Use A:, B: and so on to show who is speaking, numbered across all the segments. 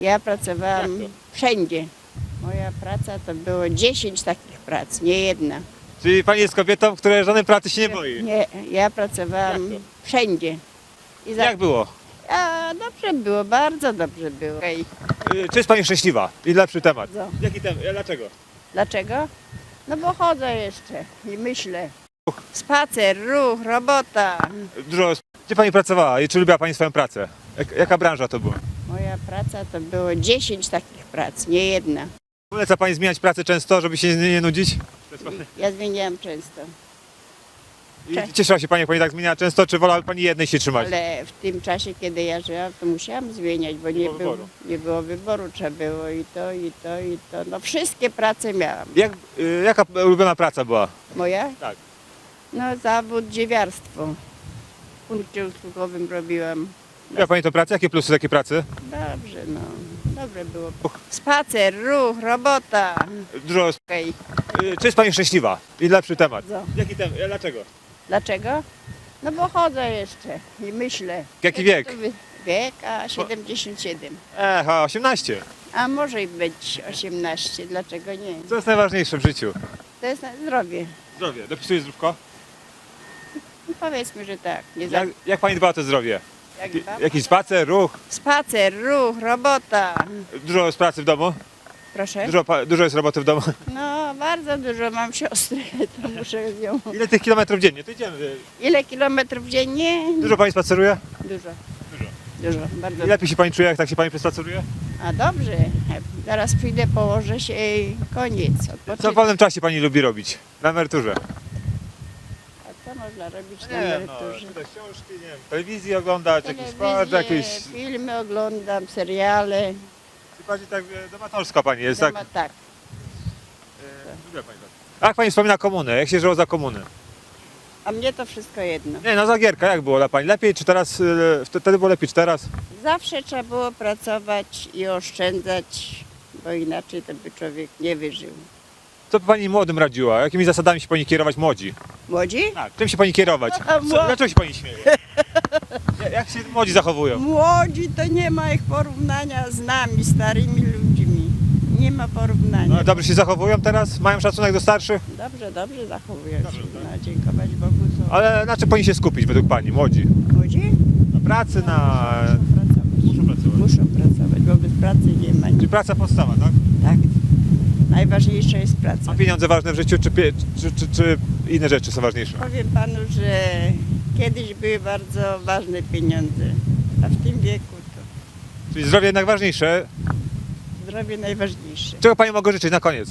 A: Ja pracowałam wszędzie. Moja praca to było 10 takich prac, nie jedna.
B: Czyli pani jest kobietą, która żadnej pracy się nie boi.
A: Nie, ja pracowałam
B: Jak to?
A: wszędzie. I
B: Jak było?
A: A, dobrze było, bardzo dobrze było. Okej.
B: Czy jest pani szczęśliwa? I lepszy temat.
A: Bardzo.
B: Jaki temat? Dlaczego?
A: Dlaczego? No bo chodzę jeszcze i myślę. Spacer, ruch, robota.
B: Dużo. Gdzie pani pracowała i czy lubiła pani swoją pracę? Jaka branża to była?
A: Moja praca to było 10 takich prac, nie jedna.
B: Poleca pani zmieniać pracę często, żeby się nie nudzić?
A: Ja zmieniałam często.
B: I cieszyła się pani, jak pani tak zmieniała często, czy wolałaby pani jednej się trzymać?
A: Ale w tym czasie, kiedy ja żyłam, to musiałam zmieniać, bo nie było wyboru. Trzeba było i to, i to, i to. No wszystkie prace miałam.
B: Jaka ulubiona praca była?
A: Moja?
B: Tak.
A: No zawód dziewiarstwo. W punkcie usługowym robiłam.
B: Lubiła pani tę pracę? Jakie plusy takiej pracy?
A: Dobrze, no. Dobre było. Spacer, ruch, robota.
B: Dużo.
A: Okej.
B: Czy jest pani szczęśliwa? I lepszy temat.
A: Co?
B: Jaki temat? Dlaczego?
A: Dlaczego? No bo chodzę jeszcze i myślę.
B: Jaki wiek?
A: Wiek, a 77.
B: A 18.
A: A może i być 18, dlaczego nie?
B: Co jest najważniejsze w życiu?
A: To jest zdrowie.
B: Zdrowie. Dopisuje zdrówko?
A: No powiedzmy, że tak. Nie za...
B: Jak pani dba o to zdrowie?
A: jak dbam?
B: Jakiś spacer, ruch?
A: Spacer, ruch, robota.
B: Dużo jest pracy w domu?
A: Proszę?
B: Dużo jest roboty w domu?
A: No bardzo dużo mam siostry, to muszę ją...
B: Ile tych kilometrów dziennie? To idziemy.
A: Ile kilometrów dziennie?
B: Dużo pani spaceruje?
A: Dużo. Dużo, bardzo.
B: I lepiej się pani czuje, jak tak się pani przespaceruje?
A: A dobrze. Zaraz przyjdę, położę się i koniec.
B: Co w
A: Odpoczynku.
B: wolnym czasie pani lubi robić? Na emeryturze?
A: A co można robić na emeryturze?
B: czytać książki, nie wiem, telewizji oglądać, jakiś sport, jakieś...
A: Filmy oglądam, seriale.
B: Czy bardziej tak domatorska pani jest, tak?
A: Tak.
B: Lubię pani tak. Jak pani wspomina komunę? Jak się żyło za komuny?
A: A mnie to wszystko jedno.
B: Nie, no Zagierka, jak było dla pani? Lepiej czy teraz, wtedy było lepiej czy teraz?
A: Zawsze trzeba było pracować i oszczędzać, bo inaczej to by człowiek nie wyżył.
B: Co by pani młodym radziła? Jakimi zasadami się pani kierować młodzi?
A: Młodzi?
B: Tak. Czym się pani kierować? Dlaczego się pani śmieje? Jak się młodzi zachowują?
A: Młodzi to nie ma ich porównania z nami, starymi ludźmi. Nie ma porównania.
B: No, dobrze się zachowują teraz? Mają szacunek do starszych?
A: Dobrze zachowują się. No, dziękować Bogu są.
B: Ale na czym powinni się skupić według pani, młodzi?
A: Młodzi?
B: Na pracy, na...
A: Muszą pracować. Muszą pracować, bo bez pracy nie ma.
B: Czyli praca podstawa, tak?
A: Tak. Najważniejsza jest praca.
B: A pieniądze ważne w życiu, czy inne rzeczy są ważniejsze?
A: Powiem panu, że kiedyś były bardzo ważne pieniądze, a w tym wieku to
B: Czyli zdrowie jednak ważniejsze.
A: zdrowie najważniejsze.
B: Czego pani mogę życzyć na koniec?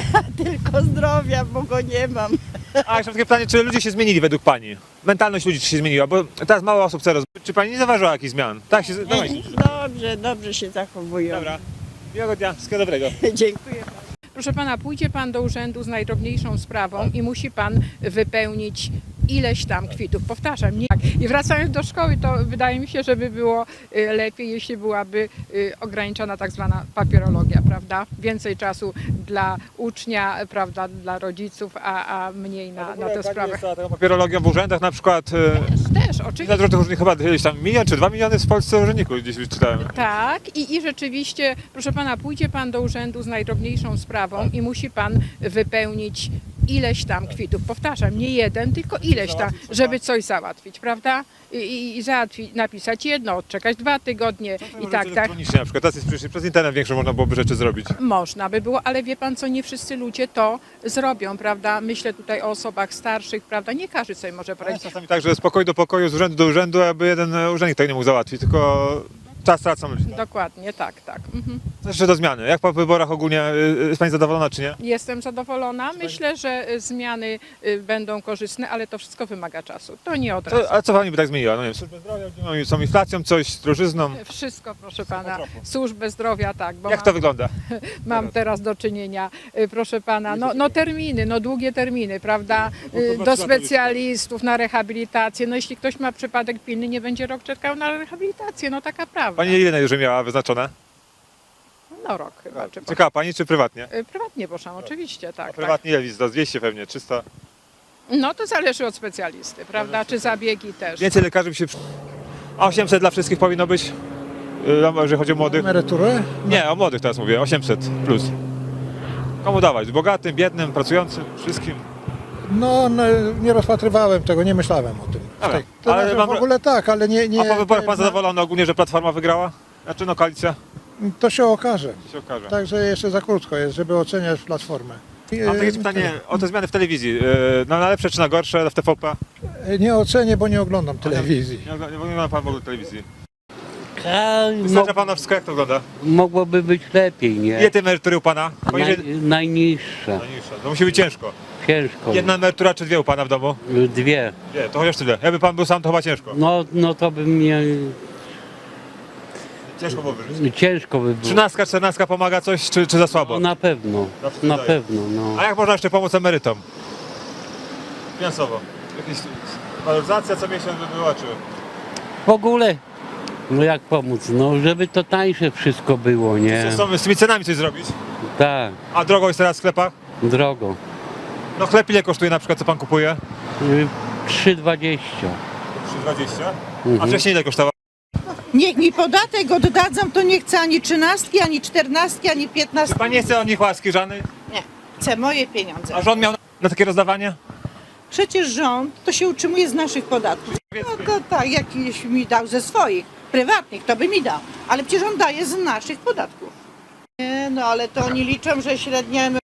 A: Tylko zdrowia, bo go nie mam.
B: A jeszcze takie pytanie, czy ludzie się zmienili według pani? Mentalność ludzi czy się zmieniła? Bo teraz mało osób chce rozumieć. Czy pani nie zauważyła jakichś zmian? Tak się... Dawaj.
A: Dobrze się zachowują.
B: Dobra. Miłego dnia, wszystkiego dobrego.
A: Dziękuję bardzo.
C: Proszę pana, pójdzie pan do urzędu z najdrobniejszą sprawą i musi pan wypełnić ileś tam kwitów. Powtarzam, nie. I wracając do szkoły, to wydaje mi się, że by było lepiej, jeśli byłaby ograniczona tak zwana papierologia, prawda? Więcej czasu dla ucznia, prawda, dla rodziców, a mniej na tę sprawę.
B: Jest taką papierologią w urzędach na przykład...
C: Też,
B: Ile
C: oczywiście.
B: różnych urzędników, chyba gdzieś tam 1 czy 2 miliony w Polsce urzędników gdzieś wyczytałem.
C: Tak, i rzeczywiście, proszę pana, pójdzie pan do urzędu z najdrobniejszą sprawą i musi pan wypełnić ileś tam kwitów. Powtarzam, nie jeden, tylko ileś tam, żeby coś załatwić, prawda? I załatwić, napisać jedno, odczekać 2 tygodnie i tak.
B: Elektronicznie na przykład, teraz jest przecież przez internet większą można byłoby rzeczy zrobić.
C: Można by było, ale wie pan co, nie wszyscy ludzie to zrobią, prawda? Myślę tutaj o osobach starszych, prawda? Nie każdy sobie może
B: Ale
C: poradzić.
B: czasami tak, że z pokoju do pokoju, z urzędu do urzędu, aby jeden urzędnik tego nie mógł załatwić, tylko czas tracą ludzie. Tak?
C: Dokładnie, tak. Mhm.
B: Co jeszcze do zmiany? Jak po wyborach ogólnie, jest pani zadowolona czy nie?
C: Jestem zadowolona. Myślę, że zmiany będą korzystne, ale to wszystko wymaga czasu. To nie od razu.
B: A co pani by tak zmieniła? No nie wiem, służbę zdrowia, są inflacją, coś z drożyzną.
C: Wszystko, proszę pana. Służbę zdrowia, tak. Bo
B: Jak to wygląda?
C: mam teraz do czynienia, proszę pana, no terminy, no długie terminy, prawda? Do specjalistów, na rehabilitację. No jeśli ktoś ma przypadek pilny, nie będzie rok czekał na rehabilitację, no taka prawda.
B: Pani ile najdłużej miała wyznaczone?
C: No rok chyba. Czy
B: Czekała pani czy prywatnie?
C: prywatnie, proszę, oczywiście, tak.
B: Prywatnie ile wizyt? 200 pewnie, 300?
C: Tak. No to zależy od specjalisty, prawda? Czy zabiegi też.
B: Więcej lekarzy by się... A 800 dla wszystkich powinno być? Jeżeli chodzi o młodych?
D: Emeryturę?
B: Nie, o młodych teraz mówię, 800 plus. Komu dawać? Bogatym, biednym, pracującym, wszystkim?
D: No, nie rozpatrywałem tego, nie myślałem o tym.
B: Dobra,
D: To
B: ale
D: znaczy,
B: mam-
D: w ogóle tak, ale nie
B: A po wyborach pan zadowolony ogólnie, że Platforma wygrała? Znaczy no koalicja?
D: to się okaże.
B: Się okaże.
D: Także jeszcze za krótko jest, żeby oceniać Platformę.
B: Mam takie pytanie o te zmiany w telewizji. Na lepsze czy na gorsze w TVP?
D: Nie ocenię, bo nie oglądam telewizji.
B: Nie ogląda pan w ogóle telewizji.
E: A,
B: Wystarcza pan na wszystko, jak to wygląda?
E: mogłoby być lepiej, nie?
B: Ile tej emerytury u pana? Poniżej...
E: Najniższa,
B: Najniższa. To musi być ciężko.
E: ciężko.
B: Jedna emerytura czy dwie u pana w domu?
E: Dwie.
B: Nie, to chociaż tyle. Jakby pan był sam, to chyba ciężko.
E: No to by mnie
B: Ciężko było wyżyć.
E: ciężko by było.
B: 13, 14 pomaga coś, czy za słabo?
E: No, na pewno,
B: Zawsze
E: na
B: daje.
E: pewno, no.
B: A jak można jeszcze pomóc emerytom? Finansowo. Jakaś waloryzacja co miesiąc by była, czy...
E: W ogóle, no jak pomóc? No żeby to tańsze wszystko było, nie?
B: Z tymi cenami coś zrobić?
E: Tak,
B: A drogo jest teraz w sklepach?
E: drogo.
B: No chleb ile kosztuje na przykład, co pan kupuje?
E: 3,20.
B: 3,20? A wcześniej ile kosztowało?
F: Niech mi podatek oddadzą, to nie chcę ani 13, ani 14, ani 15.
B: Czy pan nie chce od nich łaski żadnej?
F: Nie, chcę moje pieniądze.
B: A rząd miał na takie rozdawanie?
F: Przecież rząd to się utrzymuje z naszych podatków. No to tak, jakiś mi dał ze swoich, prywatnych, to by mi dał. Ale przecież on daje z naszych podatków. Nie, no ale to oni liczą, że średnia